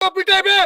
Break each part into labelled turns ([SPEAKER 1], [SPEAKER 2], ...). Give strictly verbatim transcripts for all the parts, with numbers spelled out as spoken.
[SPEAKER 1] পিটাইবেন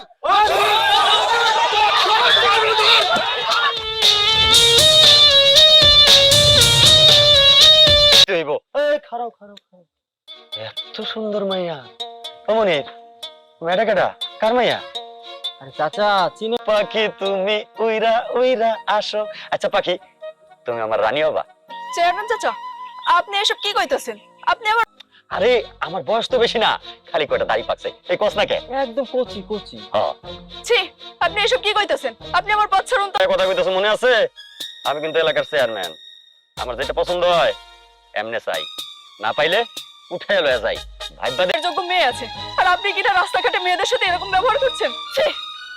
[SPEAKER 2] খারাপ খারাপ খারাপ এত সুন্দর মাইয়া অমনির মেয়েটা কেটা কার মাইয়া?
[SPEAKER 3] আরে চাচা চিনি।
[SPEAKER 2] পাখি তুমি উইরা উইরা আসো। আচ্ছা পাখি, তুমি আমার রানী হবা?
[SPEAKER 4] চেয়ারম্যান চাচা, আপনি এসব কি কইতেছেন? আপনি আবার
[SPEAKER 2] আরে আমার বয়স তো বেশি না, খালি কয়টা দাড়ি পাকছে, এই কস না কে?
[SPEAKER 3] একদম কচি কচি।
[SPEAKER 2] হ্যাঁ
[SPEAKER 4] ছি, আপনি এসব কি কইতেছেন? আপনি আমার পথ ছাড়ুন তো।
[SPEAKER 2] এই কথা কইতেছ মনে আছে? আমি কিন্তু এলাকার চেয়ারম্যান, আমার যেটা পছন্দ হয় এমনে চাই, না পাইলে উঠায় লয়ে যাই। ভাইবা
[SPEAKER 4] এর যোগ্য মেয়ে আছে, আর আপনি কিনা রাস্তাঘাটে মেয়েদের সাথে এরকম ব্যবহার করছেন? ছি।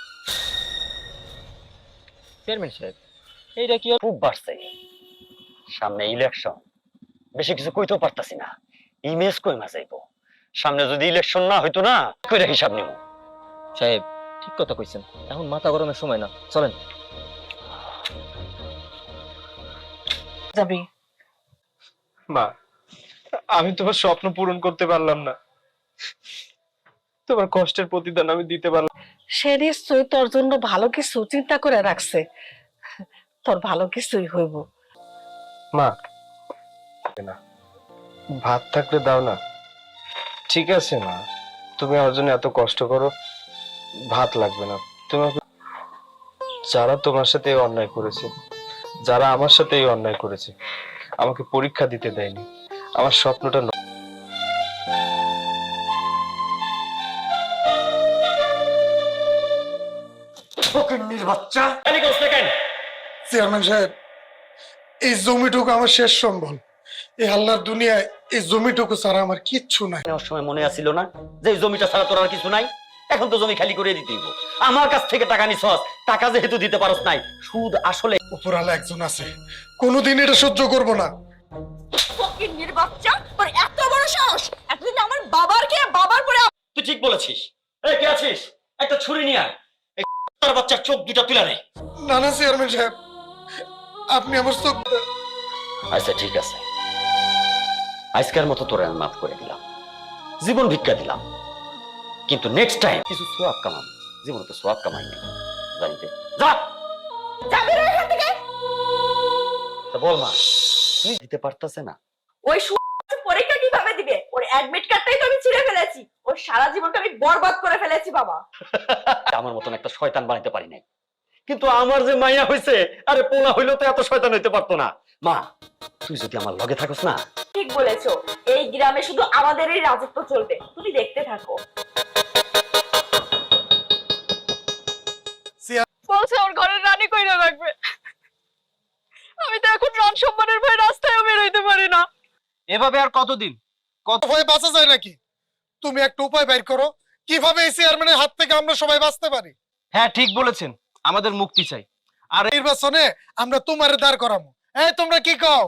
[SPEAKER 3] চেয়ারম্যান সাহেব, এইটা কি?
[SPEAKER 2] খুব বাড়ছে, সামনে ইলেকশন, বেশি কিছু কইতেও পারতাছি না, ইমেজ কই মা যাইবো। সামনে যদি ইলেকশন না হইতো না, কইরা হিসাব নিব।
[SPEAKER 3] সাহেব ঠিক কথা কইছেন, এখন মাথা গরমের সময় না, চলেন।
[SPEAKER 4] যাবি
[SPEAKER 1] মা, আমি তোমার স্বপ্ন পূরণ করতে পারলাম না, তোমার কষ্টের প্রতিদান আমি দিতে পারলাম।
[SPEAKER 5] সে নিশ্চয়ই তোর জন্য ভালো কিছু চিন্তা করে রাখছে, তোর ভালো কিছুই হইব।
[SPEAKER 1] মা না, ভাত থাকলে দাও না। ঠিক আছে মা, তুমি আমার জন্য এত কষ্ট করো, ভাত লাগবে না। তোমার যারা তোমার সাথে এই অন্যায় করেছে, যারা আমার সাথে এই অন্যায় করেছে, আমাকে পরীক্ষা দিতে দেয়নি, আমার স্বপ্নটা ন-
[SPEAKER 2] ফকিন্নির বাচ্চা, এদিকে আসতে কেন?
[SPEAKER 6] চেয়ারম্যান সাহেব, এই জমিটুকু আমার শেষ সম্বল। এই আল্লাহর দুনিয়ায় এই জমিটুকু ছাড়া আমার কিচ্ছু নাই।
[SPEAKER 2] নেওয়ার সময় মনে আসিল না যে এই জমিটা ছাড়া তোর আর কিছু নাই? এখন তো জমি খালি করে দিতে হইব। আমার কাছ থেকে টাকা নিছস, টাকা যেহেতু দিতে পারস নাই, সুদ আসলে।
[SPEAKER 6] উপরালা একজন আছে, কোনোদিন এটা সহ্য করব না।
[SPEAKER 4] ফকিন্নির বাচ্চা, তোর এত বড় সাহস! এতদিন আমার বাবার কে বাবার পরে
[SPEAKER 2] তুই ঠিক বলেছিস। এই কে আছিস? একটা ছুরি নিয়ে আয়, এই তার বাচ্চার চোখ দুটা তুলে নে।
[SPEAKER 6] না না চেয়ারম্যান সাহেব, আপনি আমার চোখ।
[SPEAKER 2] আচ্ছা ঠিক আছে, আজকের মতো তোরে আমি মাফ করে দিলাম, জীবন ভিক্ষা দিলাম, কিন্তু নেক্সট টাইম কিছু সোয়াব কামাম। জীবনে তো সোয়াব কামাই নাই, জানিতে যা।
[SPEAKER 4] যাবি না এখান থেকে।
[SPEAKER 2] তা বল মা, তুই দিতে পারতাছে না?
[SPEAKER 4] ওই সু- পরীক্ষা কিভাবে দিবে? ওর অ্যাডমিট কার্ডটাই তো আমি ছিঁড়ে ফেলেছি, ওর সারা জীবনটা আমি বরবাদ করে ফেলেছি বাবা।
[SPEAKER 2] আমার মতন একটা শয়তান বানাইতে পারি নাই, কিন্তু আমার যে মাইয়া হইছে, আরে পোলা হইলো তো এত শয়তান হইতে পারতো না। মা, তুই যদি আমার লগে থাকস না।
[SPEAKER 4] ঠিক বলেছো, এই গ্রামে শুধু আমাদেরই রাজত্ব চলবে, তুমি দেখতে থাকো। বলছে ওর ঘরের রানী কইরা রাখবে, আমি তো এখন রান সম্মানের ভয়ে রাস্তায়ও বের হইতে পারি না।
[SPEAKER 1] এভাবে আর কতদিন? কত
[SPEAKER 6] ভয় বাঁচা যায় নাকি? তুমি একটা উপায় বের করো, কিভাবে এই চেয়ারম্যানের হাত থেকে আমরা সবাই বাঁচতে পারি।
[SPEAKER 1] হ্যাঁ ঠিক বলেছেন, আমাদের মুক্তি চাই। আর
[SPEAKER 6] নির্বাচনে আমরা তোমারে দাঁড় করাবো। এই তোমরা কি কও?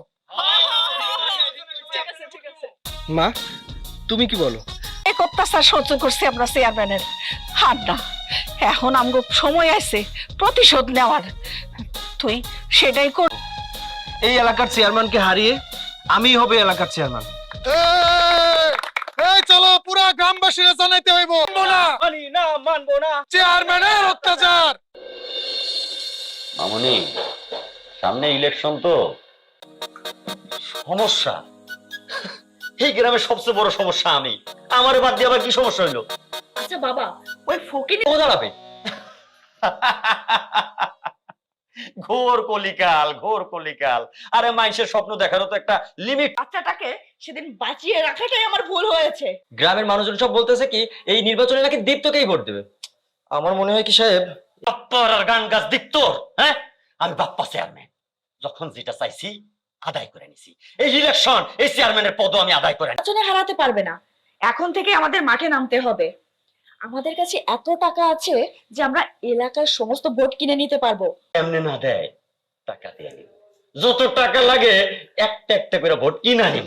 [SPEAKER 4] ঠিক আছে ঠিক আছে।
[SPEAKER 1] মা, তুমি কি বলো?
[SPEAKER 5] এই অত্যাচার সহ্য করছি আমরা চেয়ারম্যানের, হার না, এখন আমগো সময় আছে প্রতিশোধ নেওয়ার। তুই সেটাই কর।
[SPEAKER 1] এই এলাকার চেয়ারম্যানকে হারিয়ে আমি হবে এলাকার চেয়ারম্যান।
[SPEAKER 6] এই, এই চলো, পুরা গ্রামবাসীরা জানাইতে হইব। মানবো না,
[SPEAKER 3] মানি না, মানবো না।
[SPEAKER 6] চেয়ারম্যানের অত্যাচার।
[SPEAKER 2] মামনি, সামনে ইলেকশন তো, সমস্যা এই গ্রামের সবচেয়ে বড় সমস্যা আমি। আমার বাদ দিয়ে আবার কি সমস্যা হইলো?
[SPEAKER 4] আচ্ছা বাবা, ওই ফকিনি
[SPEAKER 2] ও দাঁড়াবে। ঘোর কলিকাল, ঘোর কলিকাল। আরে মানুষের স্বপ্ন দেখারও তো একটা লিমিট।
[SPEAKER 4] বাচ্চাটাকে সেদিন বাঁচিয়ে রাখাটাই আমার ভুল হয়েছে।
[SPEAKER 3] গ্রামের মানুষজন সব বলতেছে কি এই নির্বাচনে নাকি দীপ্তকেই ভোট দেবে। আমার মনে হয় কি সাহেব,
[SPEAKER 2] বাপ্পার আর গান গাছ দীপ্তর, হ্যাঁ? আমি বাপ্পা চেয়ারম্যান, যখন যেটা চাইছি আদায় করে নিছি। এই ইলেকশন, এই চেয়ারম্যানের পদও আমি আদায় করে নিছি।
[SPEAKER 4] নির্বাচনে হারাতে পারবে না, এখন থেকে আমাদের মাঠে নামতে হবে। আমাদের কাছে এত টাকা আছে যে আমরা এলাকার সমস্ত ভোট কিনে নিতে পারবো।
[SPEAKER 2] এমনি না দেয়, টাকা দিয়ে নিব, যত টাকা লাগে একটা একটা করে ভোট কিনা নিব।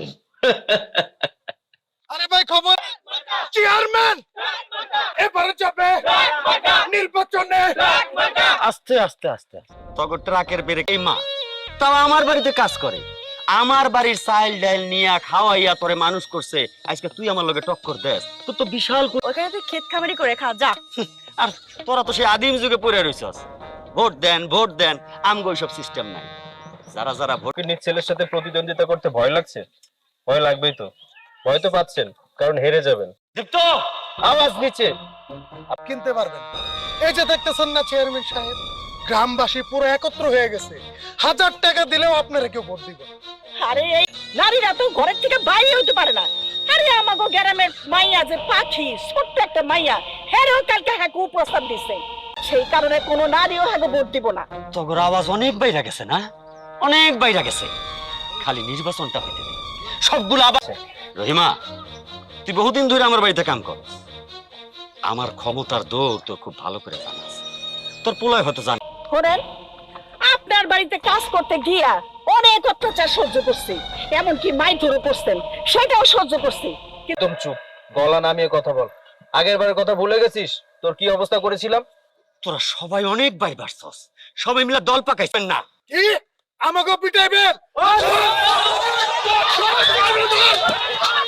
[SPEAKER 6] আরে ভাই খবর, চেয়ারম্যান এবারে যাবে নির্বাচনে।
[SPEAKER 2] আস্তে আস্তে আস্তে তগর ট্রাকের ব্রেক। এই মা তাও আমার বাড়িতে কাজ করে, আমার বাড়ির চাইল ডাইল নিয়া খাওয়াইয়া তোরে মানুষ করছে, আজকে তুই আমার লগে টক্কর দেস, তোর তো বিশাল।
[SPEAKER 4] ওখানে তুই ক্ষেত খামারি করে খা, যা।
[SPEAKER 2] আর তোরা তো সেই আদিম যুগে পড়ে রইছস, ভোট দেন ভোট দেন, আমগো সব সিস্টেম নাই। যারা যারা ভোট
[SPEAKER 1] নিজ ছেলের সাথে প্রতিদ্বন্দ্বিতা করতে ভয় লাগছে? ভয় লাগবেই তো, ভয় তো পাচ্ছেন, কারণ হেরে যাবেন।
[SPEAKER 2] দীপ্ত,
[SPEAKER 1] আওয়াজ নিচে।
[SPEAKER 6] কিনতে পারবেন। এই যে দেখতেছেন না চেয়ারম্যান সাহেব, গ্রামবাসী পুরো একত্র হয়ে গেছে, হাজার টাকা দিলেও আপনারা কেউ ভোট দিবেন।
[SPEAKER 5] আরে এই নারীরা তো ঘরের থেকে বাইরে হইতে পারে না। আরে আমাগো গ্রামের মাইয়া যে পাখি, ছোট্ট একটা মাইয়া, হেরও কালকে হাঁকু প্রস্তাব দিছে, সেই কারণে কোনো নারীও হাঁকু ভোট দিব না।
[SPEAKER 2] তোর আওয়াজ অনেক বাইরে গেছে না, অনেক বাইরে গেছে। খালি নির্বাচনটা হইতে দে, সবগুলো আবার। রহিমা, তুই বহুদিন ধরে আমার বাড়িতে কাম কর, আমার ক্ষমতার দৌড় তোর খুব ভালো করে জানা আছে। তোর পোলায় হয়তো জান।
[SPEAKER 5] শোনেন, আপনার বাড়িতে কাজ করতে গিয়া অনেক অত্যাচার সহ্য করছি, এমনকি মাইধরও করছেন, সেটাও সহ্য করছি।
[SPEAKER 1] একদম চুপ, গলা নামিয়ে কথা বল। আগের বারের কথা ভুলে গেছিস? তোর কি অবস্থা করেছিলাম?
[SPEAKER 2] তোরা সবাই অনেক বাই বাড়ছস, সবাই মিলে দল পাকাইছেন না।
[SPEAKER 6] কি আমাকে পিটাইবেন?